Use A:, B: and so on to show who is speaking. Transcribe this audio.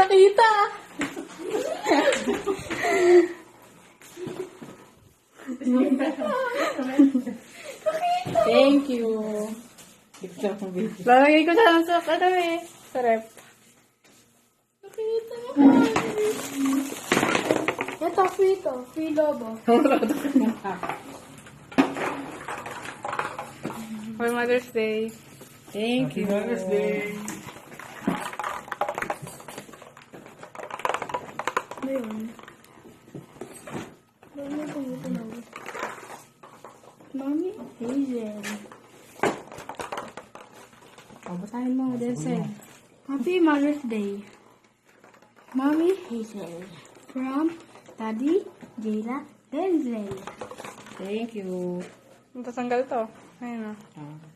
A: nakita. Thank you. Lalagay ko siya sa sa rep. Nakita mo. Ito, free lobo. For Mother's Day. Thank you.
B: Mother's Day.
A: Ano yun? Mami, Hazel. Basahin mo, Denzel. Happy Mother's Day. Mommy Hazel. From Daddy Jayla Denzel. Thank you. Matanggal to. Ayun na.